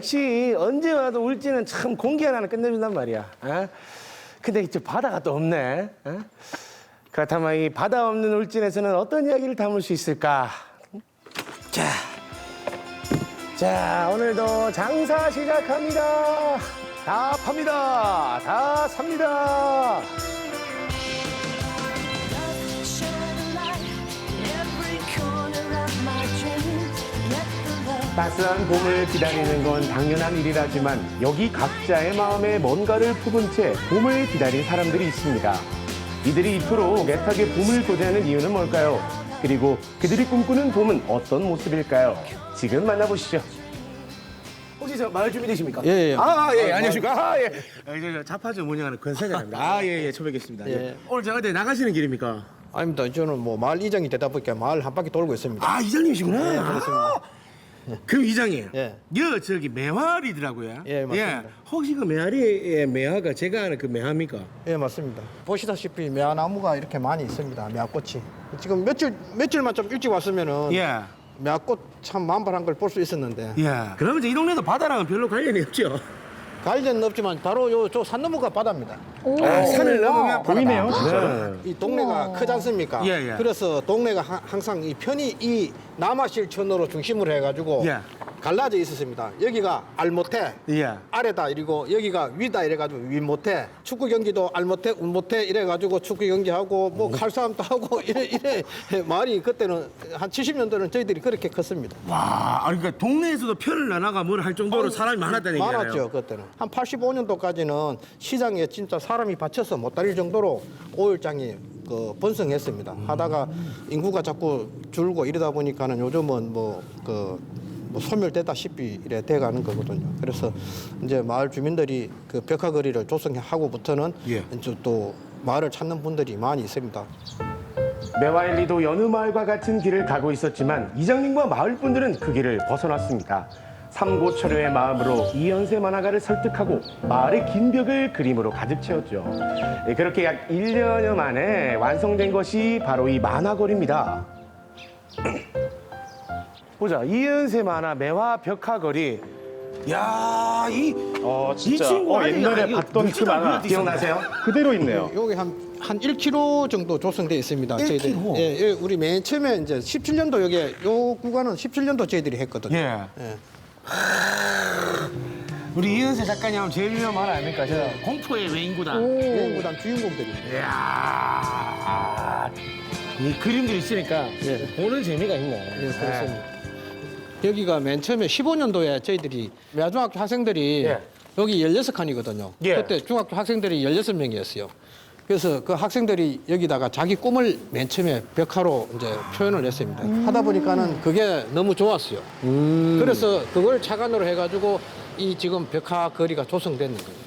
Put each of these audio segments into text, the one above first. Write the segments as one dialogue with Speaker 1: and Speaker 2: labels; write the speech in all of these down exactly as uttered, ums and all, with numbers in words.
Speaker 1: 역시 언제 와도 울진은 참 공기 하나는 끝내준단 말이야. 어? 근데 이제 바다가 또 없네. 어? 그렇다면 이 바다 없는 울진에서는 어떤 이야기를 담을 수 있을까? 자, 자 오늘도 장사 시작합니다. 다 팝니다. 다 삽니다. 따스한 봄을 기다리는 건 당연한 일이라지만 여기 각자의 마음에 뭔가를 품은 채 봄을 기다린 사람들이 있습니다. 이들이 이토록 애타게 봄을 고대하는 이유는 뭘까요? 그리고 그들이 꿈꾸는 봄은 어떤 모습일까요? 지금 만나보시죠. 혹시 저 마을 주민 되십니까?
Speaker 2: 예, 예.
Speaker 1: 아, 예, 안녕하십니까? 아, 예. 아, 저 자파주 운영하는 권사장입니다. 아, 예, 예, 처음 뵙겠습니다. 예.
Speaker 2: 예.
Speaker 1: 오늘 제가 어디 나가시는 길입니까?
Speaker 2: 아닙니다. 저는 뭐 마을 이장이 되다 보니까 마을 한 바퀴 돌고 있습니다.
Speaker 1: 아, 이장님이시구나.
Speaker 2: 네, 그렇습니다.
Speaker 1: 아, 그럼 이장님.
Speaker 2: 예.
Speaker 1: 여 저기 매화리더라고요.
Speaker 2: 예, 맞습니다.
Speaker 1: 혹시 그 매화리의 매화가 제가 아는 그 매화입니까?
Speaker 2: 예, 맞습니다. 보시다시피 매화나무가 이렇게 많이 있습니다. 매화꽃이. 지금 며칠 며칠만 좀 일찍 왔으면은
Speaker 1: 예.
Speaker 2: 매화꽃 참 만발한 걸 볼 수 있었는데
Speaker 1: 예. 그러면 이제 이 동네도 바다랑은 별로 관련이 없죠?
Speaker 2: 관련은 없지만 바로 요 저 산 너머가 바다입니다.
Speaker 1: 아, 산을 넘으면
Speaker 3: 보이네요,
Speaker 1: 네.
Speaker 2: 이 동네가 크지 않습니까?
Speaker 1: 예, 예.
Speaker 2: 그래서 동네가 하- 항상 이 편이 이 남아실천으로 중심으로 해가지고
Speaker 1: 예.
Speaker 2: 갈라져 있었습니다. 여기가 알못해
Speaker 1: 예.
Speaker 2: 아래다 이러고 여기가 위다 이래가지고 위못해 축구 경기도 알못해 운못해 이래가지고 축구 경기하고 뭐 칼싸움도 하고 이래 이래 말이 그때는 한 칠십 년도는 저희들이 그렇게 컸습니다.
Speaker 1: 와, 아니, 그러니까 동네에서도 편을 나눠가 뭘 할 정도로 사람이 많았다는 얘기잖아요.
Speaker 2: 많았죠 그때는. 한 팔십오 년도까지는 시장에 진짜 사람이 받쳐서 못 다닐 정도로 오일장이 그 번성했습니다. 하다가 인구가 자꾸 줄고 이러다 보니까는 요즘은 뭐그 뭐 소멸되다시피 이래 돼가는 거거든요. 그래서 이제 마을 주민들이 그 벽화거리를 조성하고부터는
Speaker 1: 예.
Speaker 2: 이제 또 마을을 찾는 분들이 많이 있습니다.
Speaker 1: 매화일리도 여느 마을과 같은 길을 가고 있었지만 이장님과 마을 분들은 그 길을 벗어났습니다. 삼고초려의 마음으로 이연세 만화가를 설득하고 마을의 긴 벽을 그림으로 가득 채웠죠. 예, 그렇게 약 일 년여 만에 완성된 것이 바로 이 만화거리입니다. 보자, 이연세 만화 매화 벽화거리. 야, 이,
Speaker 3: 어
Speaker 1: 이
Speaker 3: 진짜
Speaker 1: 친구
Speaker 3: 어,
Speaker 1: 아니,
Speaker 3: 옛날에
Speaker 1: 아니,
Speaker 3: 봤던 그
Speaker 1: 이거
Speaker 3: 만화
Speaker 1: 기억나세요?
Speaker 3: 그대로 있네요.
Speaker 2: 여기 한, 한 일 킬로미터 정도 조성되어 있습니다.
Speaker 1: 일
Speaker 2: 저희들이.
Speaker 1: 킬로미터?
Speaker 2: 예, 예, 우리 맨 처음에 이제 십칠 년도 여기 요 구간은 십칠 년도 저희들이 했거든요.
Speaker 1: 예.
Speaker 2: 예.
Speaker 1: 우리 이은세 작가님 하면 제일 유명한 말 아닙니까? 저 공포의 외인구단.
Speaker 2: 여행구단 주인공들입니다.
Speaker 1: 이야, 이 그림들이 있으니까
Speaker 2: 예.
Speaker 1: 보는 재미가 있네.
Speaker 2: 예, 그렇습니다. 여기가 맨 처음에 십오 년도에 저희들이 매중학교 학생들이
Speaker 1: 예.
Speaker 2: 여기 열여섯 칸이거든요.
Speaker 1: 예.
Speaker 2: 그때 중학교 학생들이 열여섯 명이었어요. 그래서 그 학생들이 여기다가 자기 꿈을 맨 처음에 벽화로 이제 표현을 했습니다. 하다 보니까는 그게 너무 좋았어요. 그래서 그걸 착안으로 해가지고 이 지금 벽화 거리가 조성되는 거예요.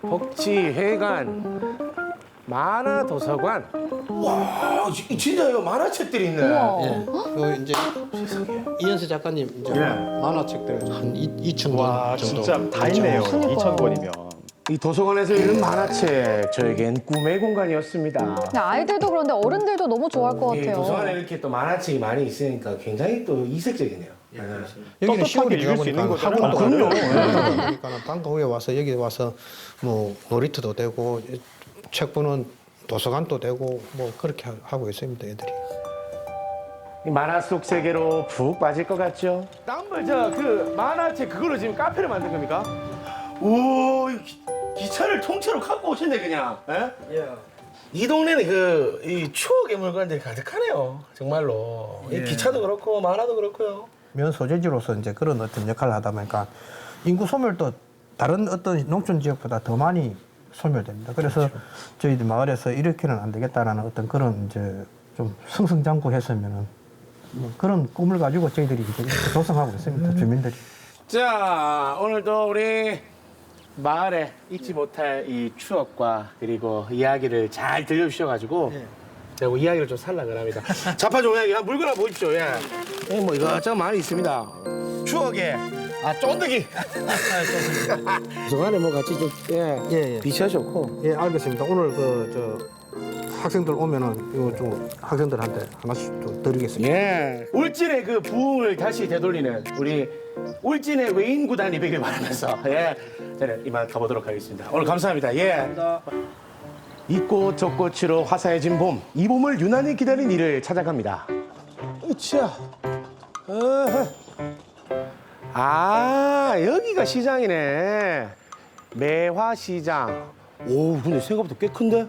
Speaker 1: 복지회관, 만화도서관. 와, 지- 진짜요? 만화책들이 있네.
Speaker 2: 예. 그 이제 이현수 작가님 이제
Speaker 1: 예.
Speaker 2: 만화책들 한 이천 권
Speaker 3: 와
Speaker 2: 정도.
Speaker 3: 진짜 다 있네요.
Speaker 4: 그러니까요.
Speaker 3: 이천 권이면.
Speaker 1: 이 도서관에서 읽는 만화책, 저에겐 꿈의 공간이었습니다.
Speaker 4: 근데 아이들도 그런데 어른들도 너무 좋아할 것
Speaker 1: 이
Speaker 4: 같아요.
Speaker 1: 도서관에 이렇게 또 만화책이 많이 있으니까 굉장히 또 이색적이네요.
Speaker 2: 여기는
Speaker 3: 떳떳하게
Speaker 2: 시골이
Speaker 3: 읽을 수 있는
Speaker 2: 보니까
Speaker 3: 거잖아요.
Speaker 2: 학원도
Speaker 1: 아, 그럼요.
Speaker 2: 가고 그러니까 방과 후에 와서 여기 와서 뭐 놀이터도 되고 책 보는 도서관도 되고 뭐 그렇게 하- 하고 있습니다 애들이.
Speaker 1: 이 만화 속 세계로 푹 빠질 것 같죠? 땀벌 저그 만화책 그걸로 지금 카페를 만든 겁니까? 오, 이 기, 기차를 통째로 갖고 오셨네 그냥. 예? 이 동네는 그 이 추억의 물건들이 가득하네요. 정말로. 이 기차도 그렇고 만화도 그렇고요.
Speaker 2: 면 소재지로서 이제 그런 어떤 역할을 하다 보니까 인구 소멸도 다른 어떤 농촌 지역보다 더 많이 소멸됩니다. 그래서 저희들 마을에서 이렇게는 안 되겠다라는 어떤 그런 이제 좀 승승장구했으면은 뭐 그런 꿈을 가지고 저희들이 이제 이렇게 조성하고 있습니다. 주민들이.
Speaker 1: 자, 오늘도 우리 마을에 잊지 못할 이 추억과 그리고 이야기를 잘 들려주셔가지고 제가 뭐 이야기를 좀 살락을 합니다. 자파종 이야기 한 물건 하나 보십시오. 예. 예, 뭐 이것저것 많이 있습니다. 추억의 아 쫀득이. 그 안에 뭐 같이 좀 예,
Speaker 2: 예, 예.
Speaker 1: 비춰 좋고.
Speaker 2: 예, 알겠습니다. 오늘 그 저 학생들 오면은 이거 좀 학생들한테 하나씩 좀 드리겠습니다.
Speaker 1: 예. 울진의 그 부흥을 다시 되돌리는 우리 울진의 외인 구단이 되길 바라면서 예. 저는 이만 가보도록 하겠습니다. 오늘 감사합니다. 예. 이 꽃 저 꽃으로 화사해진 봄. 이 봄을 유난히 기다린 이를 찾아갑니다. 으쌰. 어허. 아, 여기가 시장이네. 매화시장. 오, 근데 생각보다 꽤 큰데?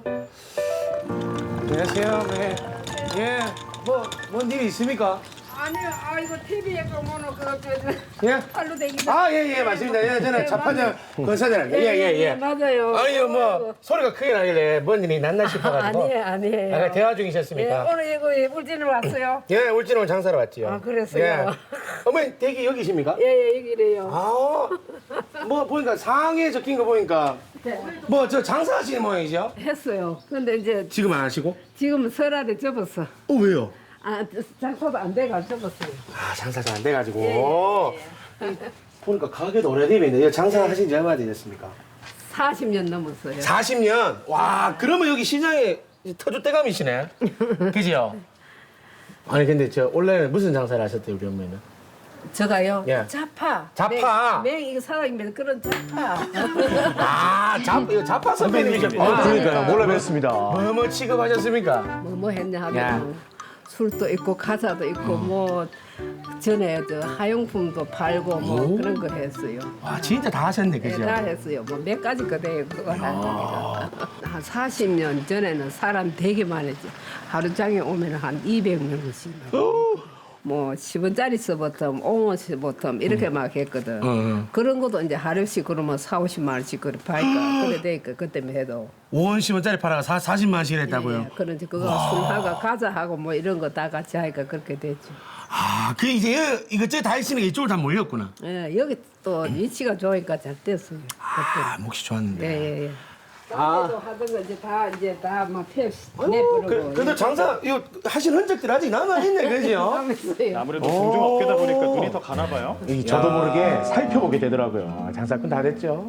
Speaker 1: 안녕하세요. 네. 예. 뭐, 뭔 일이 있습니까?
Speaker 3: 아니요, 아 이거 티비에 보면은 그저
Speaker 1: 예?
Speaker 3: 팔로 되기.
Speaker 1: 아, 예, 예, 맞습니다. 예, 저는
Speaker 3: 네,
Speaker 1: 자판장 건사장입니다. 예, 예, 예.
Speaker 3: 맞아요.
Speaker 1: 아니요, 뭐, 소리가 크게 나길래 뭔 일이 났나 싶어가지고.
Speaker 3: 아니에요, 아니에요.
Speaker 1: 아까 대화
Speaker 3: 예,
Speaker 1: 중이셨습니까?
Speaker 3: 오늘 이거 울진을 왔어요.
Speaker 1: 예, 울진은 장사로 왔지요.
Speaker 3: 아, 그랬어요?
Speaker 1: 예. 어머니, 댁이 여기십니까?
Speaker 3: 예, 예, 여기래요.
Speaker 1: 아, 뭐, 보니까 상에 적힌 거 보니까
Speaker 3: 네.
Speaker 1: 뭐, 저 장사하시는 모양이죠?
Speaker 3: 했어요. 근데 이제
Speaker 1: 지금 안 하시고?
Speaker 3: 지금 설날에 접었어.
Speaker 1: 어, 왜요?
Speaker 3: 아, 장사도 안 돼가 접었어요.
Speaker 1: 아, 장사가 안 돼가지고.
Speaker 3: 예, 예,
Speaker 1: 보니까 가게도 오래되면 장사하신 지 얼마나 되셨습니까?
Speaker 3: 사십 년 넘었어요.
Speaker 1: 사십 년? 와, 그러면 여기 시장에 터줏대감이시네. 그지요? 아니, 근데 저 원래는 무슨 장사를 하셨대요, 우리 어머니는?
Speaker 3: 저가요?
Speaker 1: 예.
Speaker 3: 자파.
Speaker 1: 자파.
Speaker 3: 맹, 맹 이거 사장님의 그런 자파.
Speaker 1: 아, 잡, 이거 자파 선배님이셨구나.
Speaker 4: 아, 그러니까요.
Speaker 1: 몰라 뵀습니다. 뭐, 뭐 취급하셨습니까?
Speaker 3: 뭐, 뭐 했냐
Speaker 1: 야.
Speaker 3: 하면 술도 있고 과자도 있고 뭐 전에 저 하용품도 팔고 뭐
Speaker 1: 오.
Speaker 3: 그런 거 했어요.
Speaker 1: 와, 진짜 다 하셨네,
Speaker 3: 예,
Speaker 1: 그죠?
Speaker 3: 다 했어요. 뭐 몇 가지 거대요 그거 하니까. 한 사십 년 전에는 사람 되게 많았지. 하루장에 오면 한 이백 명씩. 뭐 십 원짜리 서부터 오 원씩부터 이렇게 막 했거든.
Speaker 1: 응.
Speaker 3: 그런 것도 이제 하루씩 그러면 사오십만 원씩 그래 팔까 그래 되니까 그때만 해도.
Speaker 1: 오십 원짜리 팔아가 사, 사십만 원씩 했다고요?
Speaker 3: 예, 그런지 그거 술하고 과자하고 뭐 이런 거 다 같이 하니까 그렇게 됐죠.
Speaker 1: 아, 그 이제 이것저것 다 하시는 게 이쪽으로 다 몰렸구나.
Speaker 3: 예, 여기 또 위치가 좋으니까 잘 됐어요.
Speaker 1: 아, 몫이 좋았는데.
Speaker 3: 예, 예, 예.
Speaker 1: 아.
Speaker 3: 아. 하던 거 이제 다 이제 다막 펴
Speaker 1: 어,
Speaker 3: 내버리고.
Speaker 1: 그, 그래도 장사 이거 하신 흔적들 아직 남아있네, 그죠?
Speaker 3: 있어요.
Speaker 5: 아무래도 공중업계다 보니까 눈이 더 가나 봐요.
Speaker 1: 이 저도 모르게 살펴보게 되더라고요. 장사꾼 다 됐죠.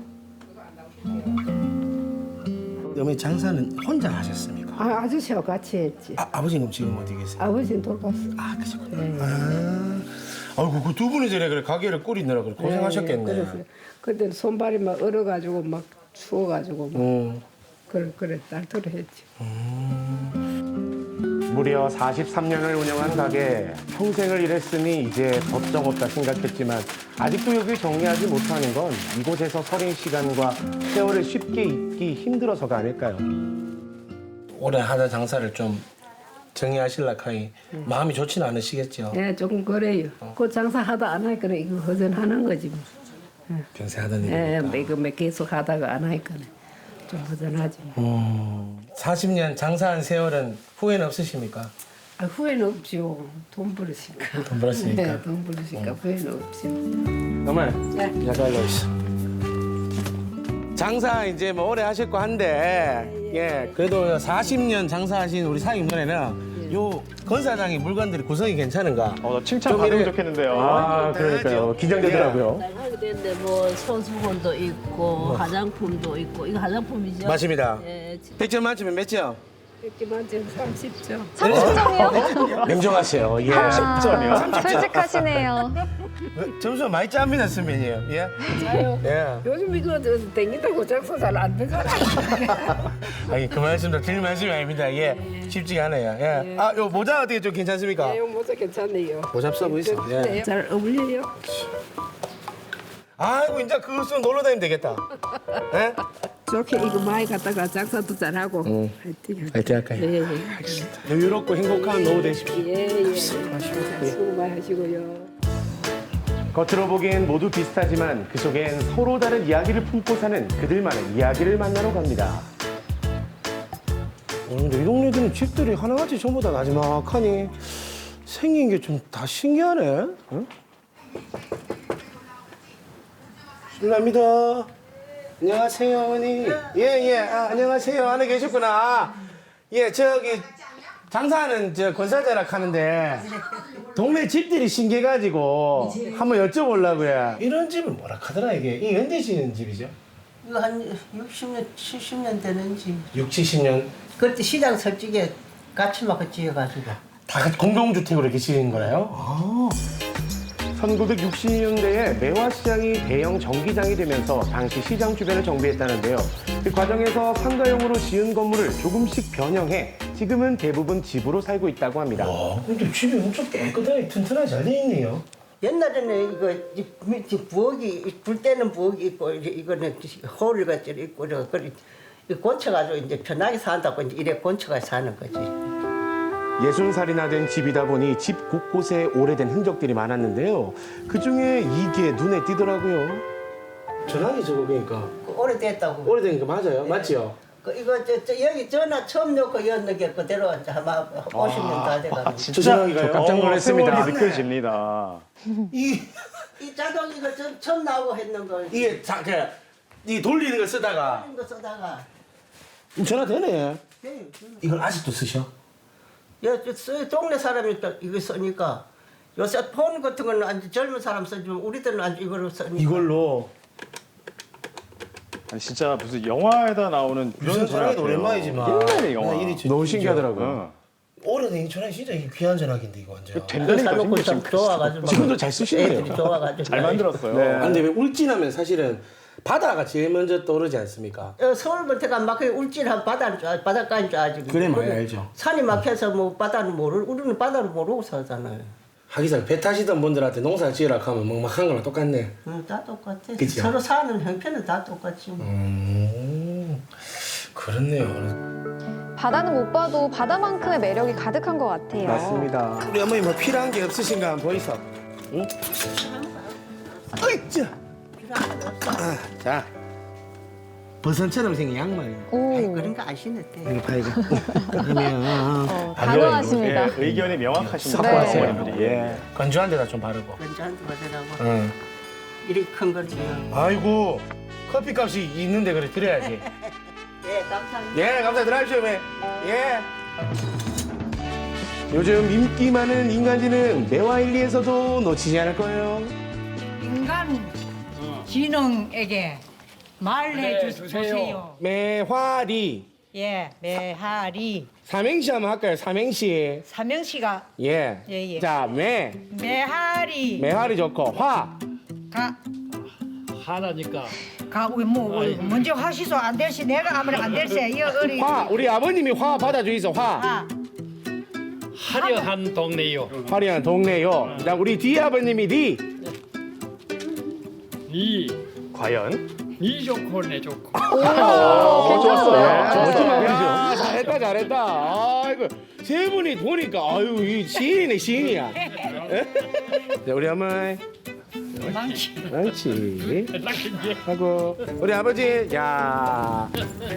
Speaker 1: 어머니 장사는 혼자 하셨습니까?
Speaker 3: 아, 아저씨하고 같이 했지.
Speaker 1: 아, 아버지는 지금 어디 계세요?
Speaker 3: 아버지는 돌봤어.
Speaker 1: 아, 그러시구나.
Speaker 3: 예.
Speaker 1: 아, 아이고 그 두 분이 전에 그래 가게를 꾸리느라 그래 고생하셨겠네.
Speaker 3: 예, 그래서 그때 손발이 막 얼어가지고 막 추워가지고 막
Speaker 1: 음.
Speaker 3: 그래 그래 딸토로 했지.
Speaker 1: 무려 사십삼 년을 운영한 가게, 평생을 일했으니 이제 법정 없다 생각했지만 아직도 여기 정리하지 못하는 건 이곳에서 서린 시간과 세월을 쉽게 잊기 힘들어서가 아닐까요? 올해 하다 장사를 좀 정리하실라 카이 마음이 좋지는 않으시겠죠?
Speaker 3: 예, 조금 그래요. 그 장사 하다 안 하니까 이거 허전하는 거지. 뭐.
Speaker 1: 평생 하던
Speaker 3: 예,
Speaker 1: 일이니까.
Speaker 3: 이거 몇 계속 하다가 안 하니까 좀 허전하지.
Speaker 1: 음, 사십 년 장사한 세월은 후회는 없으십니까?
Speaker 3: 아, 후회는 없죠. 돈 벌으니까.
Speaker 1: 돈 벌었으니까.
Speaker 3: 네, 돈 벌으니까 후회는 없죠.
Speaker 1: 어머니,
Speaker 3: 네.
Speaker 1: 약간 알려 있어. 장사 이제 뭐 오래 하셨고 한데, 예, 그래도 사십 년 장사하신 우리 사장님번에는 요 건사장의 물건들이 구성이 괜찮은가?
Speaker 5: 어, 나 칭찬
Speaker 1: 좀
Speaker 5: 받으면
Speaker 1: 이래-
Speaker 5: 좋겠는데요.
Speaker 1: 아, 그러니까요. 긴장되더라고요.
Speaker 6: 하게 되는데 뭐 손수건도 있고 화장품도 있고 이거 화장품이죠?
Speaker 1: 맞습니다.
Speaker 6: 예,
Speaker 1: 백 점 만점에 몇 점?
Speaker 3: 했지만 지금 삼십 점.
Speaker 4: 삼십 점이요?
Speaker 1: 냉정하세요. 예.
Speaker 4: 아,
Speaker 5: 점이요?
Speaker 4: 솔직하시네요.
Speaker 1: 점수 많이 짭니다, 선배님. 예.
Speaker 3: 아유,
Speaker 1: 예.
Speaker 3: 요즘 이거 저 땡긴다고 장사 잘 안 되잖아.
Speaker 1: 아니, 그 말씀도 드릴 말씀이 아닙니다. 예. 쉽지가 않아요. 예. 아, 요 모자 어떻게 좀 괜찮습니까?
Speaker 3: 이거 모자 괜찮네요.
Speaker 1: 모자 써보 있어. 예.
Speaker 3: 네, 잘 어울려요.
Speaker 1: 아이고, 이제 그거 쓰면 놀러 다니면 되겠다. 예?
Speaker 3: 저렇게 이거 많이 갖다가 장사도 잘하고. 화이팅.
Speaker 1: 화이팅 할까요?
Speaker 3: 예, 예.
Speaker 1: 여유롭고 행복한 노후 되십시오.
Speaker 3: 예, 예. 수고 많이 하시고요.
Speaker 1: 겉으로 보기엔 모두 비슷하지만 그 속엔 서로 다른 이야기를 품고 사는 그들만의 이야기를 만나러 갑니다. 어, 근데 이 동네들은 집들이 하나같이 전부 다 나지막하니 생긴 게 좀 다 신기하네. 응? 실례합니다. 안녕하세요, 어머니. 예, 예. 아, 안녕하세요. 안에 계셨구나. 예, 저기 장사하는 저 권사자락 하는데 동네 집들이 신기해가지고 한번 여쭤보려고요. 이런 집을 뭐라 하더라 이게? 이 언제 지은 집이죠?
Speaker 7: 이거 한 육십 년, 칠십 년 되는지.
Speaker 1: 육, 칠십 년
Speaker 7: 그때 시장 설치게 같이 막 지어가지고.
Speaker 1: 다 같이 공동주택으로 이렇게 지은 거예요? 아. 천구백육십 년대에 매화시장이 대형 정기장이 되면서 당시 시장 주변을 정비했다는데요. 그 과정에서 상가용으로 지은 건물을 조금씩 변형해 지금은 대부분 집으로 살고 있다고 합니다. 와, 근데 집이 엄청 깨끗하게 튼튼하게 잘 돼 있네요.
Speaker 7: 옛날에는 이거 이 밑에 부엌이 불 때는 부엌이 있고 이제 이거는 홀 같이 있고 이거 그리 곤쳐가지고 이제 편하게 산다고 이제 이래 곤쳐가 사는 거지.
Speaker 1: 예순 살이나 된 집이다 보니 집 곳곳에 오래된 흔적들이 많았는데요. 그중에 이게 눈에 띄더라고요. 전화기 저거 그러니까
Speaker 7: 그 오래됐다고.
Speaker 1: 오래된 거 맞아요? 맞지요?
Speaker 7: 그 이거 저, 저 여기 전화 처음 넣고 였는 게 그대로 이제 아마 오십 년 다 돼가지고.
Speaker 1: 저 전화기가요? 깜짝 놀랐습니다.
Speaker 5: 세월이 느껴집니다.
Speaker 1: 이
Speaker 7: 이 자동 이거 저, 처음 나오고 했는 거.
Speaker 1: 이게 자, 그, 이 돌리는 거 쓰다가
Speaker 7: 이거 쓰다가.
Speaker 1: 전화 되네.
Speaker 7: 네,
Speaker 1: 이걸 아직도 쓰셔?
Speaker 7: 야, 저 써- 동네 사람이 또 이거 쓰니까 요새 폰 같은 거는 아주 젊은 사람 쓰지만 우리들은 아주 이걸로 쓰니까.
Speaker 1: 이걸로
Speaker 5: 아니, 진짜 무슨 영화에다 나오는 그런
Speaker 1: 유선
Speaker 5: 전화
Speaker 1: 전화기도
Speaker 5: 같아요.
Speaker 1: 오랜만이지만
Speaker 5: 옛날의 영화.
Speaker 1: 나 일이 너무 신기하더라고요.
Speaker 5: 어.
Speaker 1: 오래된 이 전화기 진짜 이게 귀한 전화기인데 이거 완전.
Speaker 5: 된다니까
Speaker 7: 사놓고
Speaker 5: 지금
Speaker 7: 참 좋아가지고.
Speaker 1: 지금도 잘 쓰시네요.
Speaker 7: 애들이 좋아가지고.
Speaker 5: 잘 만들었어요.
Speaker 1: 네. 아, 근데 왜 울진하면 사실은 바다가 제일 먼저 떠오르지 않습니까?
Speaker 7: 어, 서울부터가 막 울진한 바다인 줄 알, 바닷가인 줄 알지.
Speaker 1: 그래, 많이 알죠.
Speaker 7: 산이 막혀서 뭐 바다는 모르, 우리는 바다를 모르고 살잖아요.
Speaker 1: 하기사 배 타시던 분들한테 농사 지으라 하면 막막한 거랑 똑같네.
Speaker 7: 응, 다 똑같아.
Speaker 1: 그치요?
Speaker 7: 서로 사는 형편은 다 똑같지. 뭐.
Speaker 1: 음, 그렇네요.
Speaker 4: 바다는 못 봐도 바다만큼의 매력이 가득한 것 같아요.
Speaker 1: 맞습니다. 우리 어머니 뭐 필요한 게 없으신가 한번 보이소. 응? 어이짜. 아, 자, 버선처럼 생긴 양말.
Speaker 4: 오,
Speaker 7: 그런 거 아시네.
Speaker 1: 이거 봐야지. 그러면
Speaker 4: 어, 단호하십니다.
Speaker 5: 예, 의견이 명확하신
Speaker 4: 네.
Speaker 5: 어머님들이. 예.
Speaker 1: 건조한 데다 좀 바르고.
Speaker 7: 먼저한테 받으라고.
Speaker 1: 응.
Speaker 7: 이렇게 큰 거지.
Speaker 1: 아이고, 커피값이 있는데 그래 드려야지.
Speaker 7: 예, 감사합니다.
Speaker 1: 예, 감사 들어가십시오, 매. 예. 요즘 인기 많은 인간지는 매화일리에서도 놓치지 않을 거예요.
Speaker 8: 인간 지능에게 말해 주세요.
Speaker 1: 매화리.
Speaker 8: 예, 매하리
Speaker 1: 삼행시 한번 할까요? 삼행시.
Speaker 8: 삼명시가
Speaker 1: 예.
Speaker 8: 예, 예.
Speaker 1: 자, 매.
Speaker 8: 매하리
Speaker 1: 매화리 좋고, 화.
Speaker 8: 가
Speaker 9: 하나니까.
Speaker 8: 가 우리 뭐 우리 먼저 하시소 안 될시 내가 아무리 안 될세 이 어리
Speaker 1: 화. 우리 아버님이 화 받아주이소, 화.
Speaker 8: 아,
Speaker 9: 화려한 동네요.
Speaker 1: 화려한 동네요. 자, 우리 디 아버님이 디.
Speaker 9: 이,
Speaker 5: 과연?
Speaker 9: 이 좋고 내 좋고.
Speaker 1: 어, 좋았어요.
Speaker 5: 네,
Speaker 1: 좋았어요. 야, 잘했다, 잘했다. 아이고, 세 분이 보니까, 아유, 이 시인이네, 시인이야. 자, 우리 어머니.
Speaker 8: 망치
Speaker 1: 그렇지.
Speaker 9: 락인게.
Speaker 1: 하고, 우리 아버지, 야,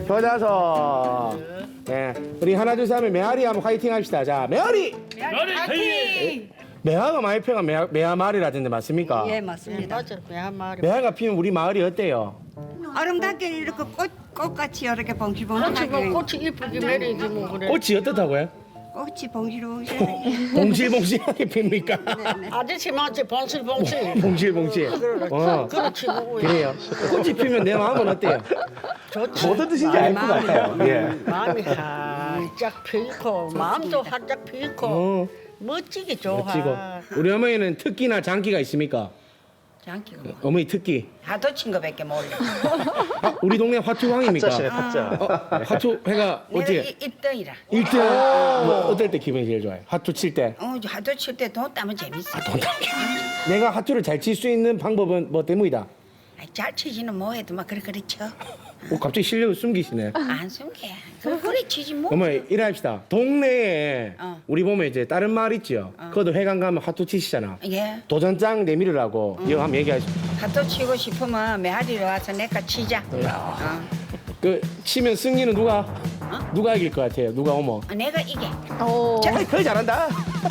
Speaker 1: 효자서. 네, 우리 하나, 둘, 셋 하면 메아리 한번 화이팅 합시다. 자, 메아리!
Speaker 9: 너를
Speaker 8: 파이팅
Speaker 1: 매화가 많이 피면 매화, 매화 마을이라던데 맞습니까?
Speaker 8: 예 맞습니다 맞아 야 말이
Speaker 1: 매화가 피면 우리 마을이 어때요?
Speaker 8: 아름답게 이렇게 꽃 꽃같이 이렇게 봉실봉실하게
Speaker 6: 꽃이 이쁘게 매리지 뭐 그래.
Speaker 1: 꽃이 어떻다고요?
Speaker 8: 꽃이 봉실봉실
Speaker 1: 봉실봉실하게 핍니까?
Speaker 6: 아저씨 맞지 봉실봉실.
Speaker 1: 봉실봉실. 어,
Speaker 6: 그렇지 뭐.
Speaker 1: 그래요. 꽃이 피면 내 마음은 어때요?
Speaker 6: 좋지.
Speaker 1: 뭐 뜻인지 알 것 같아요. 예.
Speaker 6: 마음이 활짝 피고 마음도 활짝 피고
Speaker 1: 어,
Speaker 6: 멋지게 좋아.
Speaker 1: 멋지고. 우리 어머니는 특기나 장기가 있습니까?
Speaker 8: 장기가 뭐
Speaker 1: 어머니 특기.
Speaker 8: 하도 친 거밖에 몰라
Speaker 1: 아, 우리 동네 화투왕입니까?
Speaker 5: 타짜시네, 타짜.
Speaker 1: 어, 화투회가
Speaker 8: 내가
Speaker 1: 어떻게?
Speaker 8: 일 등이라
Speaker 1: 일 등 뭐 어떨 때 기분이 제일 좋아요? 화투 칠 때.
Speaker 8: 어 하도 칠 때 돈 따면 재밌어
Speaker 1: 내가 화투를 잘 칠 수 있는 방법은 뭐 때문이다?
Speaker 8: 아이, 잘 치지는 뭐해도 막 그래 그래 쳐.
Speaker 1: 오, 갑자기 실력을 숨기시네.
Speaker 8: 안 숨겨. 그래 그래 치지 뭐.
Speaker 1: 어머니 일합시다. 동네에
Speaker 8: 어.
Speaker 1: 우리 보면 이제 다른 마을 있지요. 그것도 회관 가면 화투 치시잖아.
Speaker 8: 예.
Speaker 1: 도전장 내밀으라고 이거 한번 얘기하시죠.
Speaker 8: 하도 치고 싶으면 메아리로 와서 내가 치자. 어.
Speaker 1: 그 치면 승리는 누가 누가 이길 것 같아요? 누가 오면?
Speaker 8: 어, 내가 이게.
Speaker 4: 오,
Speaker 1: 자, 거의 잘한다.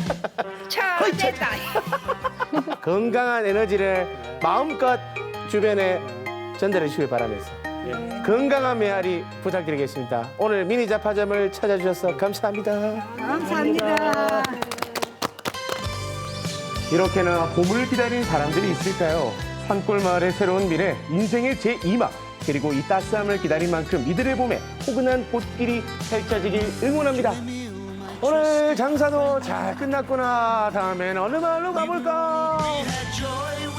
Speaker 8: 차 됐다.
Speaker 1: 건강한 에너지를 마음껏 주변에 전달해 주시길 바라면서 건강한 메아리 부탁드리겠습니다. 오늘 미니 잡화점을 찾아주셔서 감사합니다.
Speaker 8: 감사합니다.
Speaker 1: 이렇게나 봄을 기다린 사람들이 있을까요? 산골 마을의 새로운 미래, 인생의 제이 막 그리고 이 따스함을 기다린 만큼 이들의 봄에 포근한 꽃길이 펼쳐지길 응원합니다. 오늘 장사도 잘 끝났구나. 다음엔 어느 마을로 가볼까?